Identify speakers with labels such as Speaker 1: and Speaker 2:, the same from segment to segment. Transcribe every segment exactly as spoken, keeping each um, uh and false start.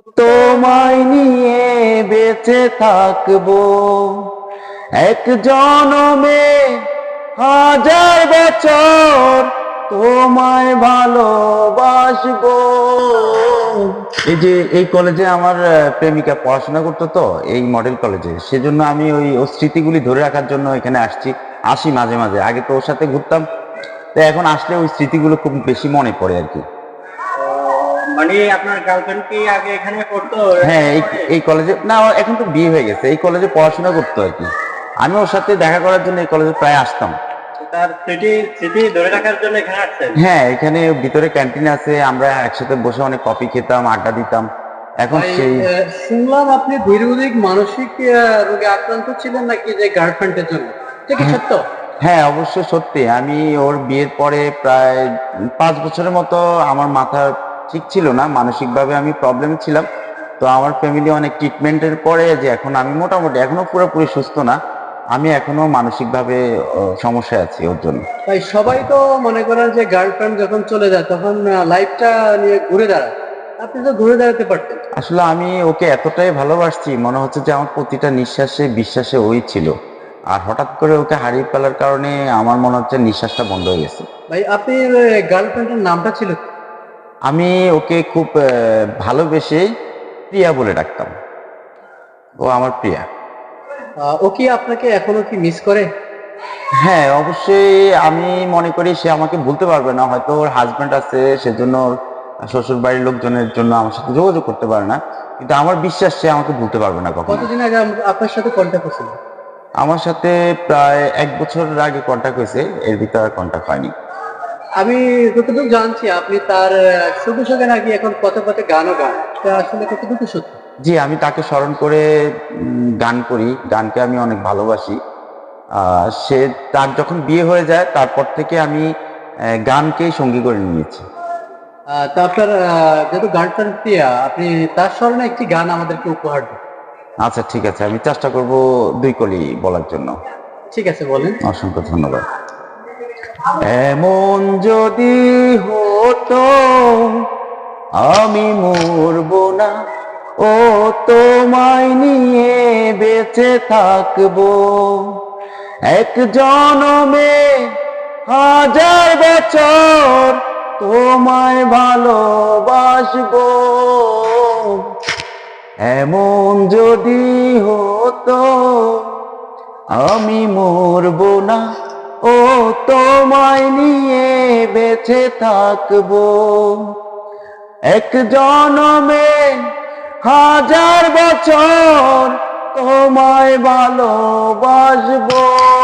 Speaker 1: তোমায় নিয়ে বেঁচে থাকবো এক জনমে হাজার বছর তোমায় ভালোবাসবো। এই যে এই কলেজে আমার প্রেমিকা পড়াশোনা করতো, তো এই মডেল কলেজে, সেজন্য আমি ওই ওর স্মৃতিগুলি ধরে রাখার জন্য এখানে আসছি। আসি মাঝে মাঝে, আগে তো ওর সাথে ঘুরতাম, তো এখন আসলে ওই স্মৃতিগুলো খুব বেশি মনে পড়ে আর কি।
Speaker 2: মানে আপনার গার্লফ্রেন্ড কি আগে এখানে পড়তো?
Speaker 1: হ্যাঁ, এই এই কলেজে না, এখন তো বিয়ে হয়ে গেছে, এই কলেজে পড়াশোনা করতো আর কি। আমি ওর সাথে দেখা করার জন্য এই কলেজে প্রায় আসতাম।
Speaker 2: তার স্মৃতি স্মৃতি ধরে রাখার জন্য এখানে আসছেন?
Speaker 1: হ্যাঁ, এখানে ভিতরে ক্যান্টিন আছে, আমরা একসাথে বসে অনেক কফি খেতাম, আড্ডা দিতাম। এখন সেই
Speaker 2: শুনলাম আপনি দীর্ঘদিন মানসিক রোগে আক্রান্ত ছিলেন নাকি, যে গার্লফ্রেন্ডের জন্য, এটা কি সত্য?
Speaker 1: হ্যাঁ, অবশ্যই সত্যি। আমি ওর বিয়ের পরে প্রায় পাঁচ বছরের মতো আমার মাথা ঠিক ছিল না, মানসিকভাবে আমি প্রবলেম ছিলাম। তো আমার ফ্যামিলি অনেক ট্রিটমেন্টের পরে যে এখন আমি মোটামুটি, এখনো পুরোপুরি সুস্থ না, আমি এখনো মানসিকভাবে সমস্যায় আছি ওর জন্য।
Speaker 2: তাই সবাই তো মনে করেন যে গার্লফ্রেন্ড যখন চলে যায় তখন লাইফটা নিয়ে ঘুরে দাঁড়ায়, আপনি তো ঘুরে দাঁড়াতে পারতেন।
Speaker 1: আসলে আমি ওকে এতটাই ভালোবাসছি, মনে হচ্ছে যে আমার প্রতিটা নিঃশ্বাসে বিশ্বাসে ওই ছিল, আর হঠাৎ করে ওকে হারিয়ে ফেলার কারণে আমার মনে হচ্ছে নিঃশ্বাসটা বন্ধ হয়ে গেছে।
Speaker 2: ভাই, আপনি গার্লফ্রেন্ডের নামটা ছিল কি?
Speaker 1: আমি ওকে খুব ভালোবেসে প্রিয়া বলে ডাকতাম, ও আমার প্রিয়া।
Speaker 2: ও কি আপনাকে এখনো কি মিস করে?
Speaker 1: হ্যাঁ, অবশ্যই। আমি মনে করি সে আমাকে বলতে পারবে না, হয়তো ওর হাজবেন্ড আছে, সেজন্য শ্বশুর বাড়ির লোকজনের জন্য আমার সাথে যোগাযোগ করতে পারে না, কিন্তু আমার বিশ্বাস সে আমাকে বলতে পারবে না কখনো।
Speaker 2: কতদিন আগে আপনার সাথে কন্ট্যাক্ট হয়েছিল?
Speaker 1: আমার সাথে প্রায় এক বছরের আগে কন্ট্যাক্ট হয়েছে, এর ভিতরে কন্ট্যাক্ট হয়নি।
Speaker 2: আমি যতটুকু জানছি আপনি তার সুখে সুখে নাকি এখন পথে পথে গানও গান, এটা আসলে কতটুকু সত্যি?
Speaker 1: জি, আমি তাকে স্মরণ করে গান করি, গানকে আমি অনেক ভালোবাসি। সে তার যখন বিয়ে হয়ে যায় তারপর থেকে আমি গানকেই সঙ্গী করে নিয়েছি।
Speaker 2: তা আপনার যেহেতু গানটার প্রিয়া, আপনি তার স্মরণে একটি গান আমাদেরকে উপহার দিন।
Speaker 1: আচ্ছা, ঠিক আছে, আমি চেষ্টা করব দুই কলি বলার জন্য।
Speaker 2: ঠিক আছে, বলেন।
Speaker 1: অসংখ্য ধন্যবাদ। এমন যদি হতো আমি মরব না, ও তোমায় নিয়ে বেঁচে থাকবো এক জনমে হাজার বছর তোমায় ভালোবাসবো। এমন যদি হতো আমি মরব না, ও তোমায় নিয়ে বেঁচে থাকবো এক জনমে হাজার বছর তোমায় ভালোবাসবো।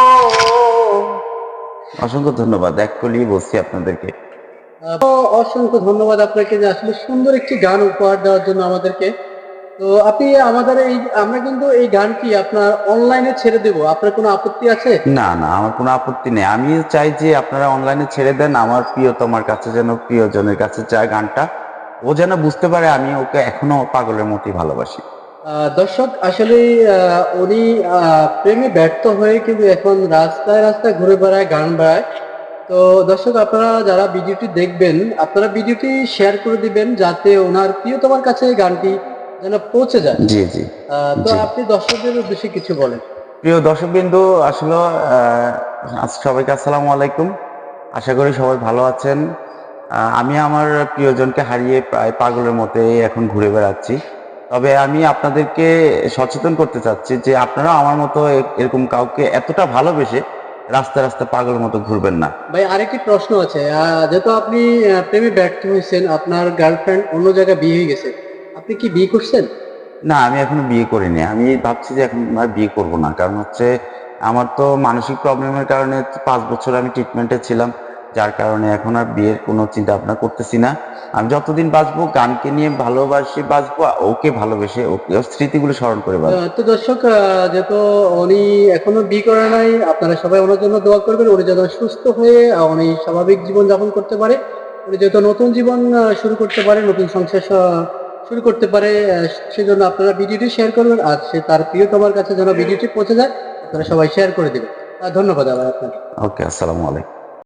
Speaker 1: অসংখ্য ধন্যবাদ, এক কলি বলছি আপনাদেরকে।
Speaker 2: অসংখ্য ধন্যবাদ আপনাকে যে আসলে সুন্দর একটি গান উপহার দেওয়ার জন্য আমাদেরকে। তো আপনি আমাদের এই, আমরা কিন্তু এই গানটি আপনার অনলাইনে ছেড়ে দেব, আপনার কোনো আপত্তি আছে?
Speaker 1: না না, আমার কোনো আপত্তি নেই। আমি চাই যে আপনারা অনলাইনে ছেড়ে দেন, আমার প্রিয়তমার কাছে যেন, প্রিয়জনের কাছে যায় গানটা, ও যেন বুঝতে পারে আমি ওকে এখনো পাগলের মতোই ভালোবাসি।
Speaker 2: দর্শক, আসলে উনি প্রেমে ব্যর্থ হয়ে কিন্তু এখন রাস্তায় রাস্তায় ঘুরে বেড়ায়, গান বেড়ায়। তো দর্শক, আপনারা যারা ভিডিওটি দেখবেন, আপনারা ভিডিওটি শেয়ার করে দিবেন যাতে ওনার প্রিয়তমার কাছে গানটি যেন পৌঁছে যায়।
Speaker 1: জি জি।
Speaker 2: তো আপনি দর্শকদের উদ্দেশ্যে কিছু বলেন।
Speaker 1: প্রিয় দর্শকবৃন্দু, আসলে সবাইকে আসসালামু আলাইকুম। আশা করি সবাই ভালো আছেন। আমি আমার প্রিয়জনকে হারিয়ে প্রায় পাগলের মতো এখন ঘুরে বেড়াচ্ছি। তবে আমি আপনাদেরকে সচেতন করতে চাচ্ছি যে আপনারা আমার মতো এরকম কাউকে এতটা ভালোবেসে রাস্তা রাস্তা পাগলের মতো ঘুরবেন না।
Speaker 2: ভাই, আরেকটি প্রশ্ন আছে। যেহেতু আপনি প্রেমে ব্যর্থ হয়েছেন, আপনার গার্লফ্রেন্ড অন্য জায়গায় বিয়ে হয়ে গেছে, আপনি কি বিয়ে করছেন?
Speaker 1: না, আমি এখনো বিয়ে করিনি। আমি ভাবছি যে এখন আর বিয়ে করব না, কারণ হচ্ছে আমার তো মানসিক প্রবলেমের কারণে পাঁচ বছর আমি ট্রিটমেন্টে ছিলাম, যার কারণে এখন আর বিয়ের কোনো চিন্তা ভাবনা করতেছি না। আমি যতদিন বাঁচবো গানকে নিয়ে ভালোবাসি বাঁচবো, ওকে ভালোবেসে ওকে স্মৃতিগুলো স্মরণ করে বাঁচবো।
Speaker 2: তো দর্শক, যেহেতু উনি এখনো বিয়ে করে নাই, আপনারা সবাই ওনার জন্য দোয়া করবেন, উনি যেন সুস্থ হয়ে উনি স্বাভাবিক জীবন যাপন করতে পারে, উনি যেহেতু নতুন জীবন শুরু করতে পারে, নতুন সংসার শুরু করতে পারে, সেজন্য আপনারা ভিডিওটি শেয়ার করবেন, আর সে তার প্রিয়তমার কাছে যেন ভিডিওটি পৌঁছে যায়, আপনারা সবাই শেয়ার করে দেবেন। ধন্যবাদ আবার আপনাকে।
Speaker 1: ওকে, আসসালামু আলাইকুম।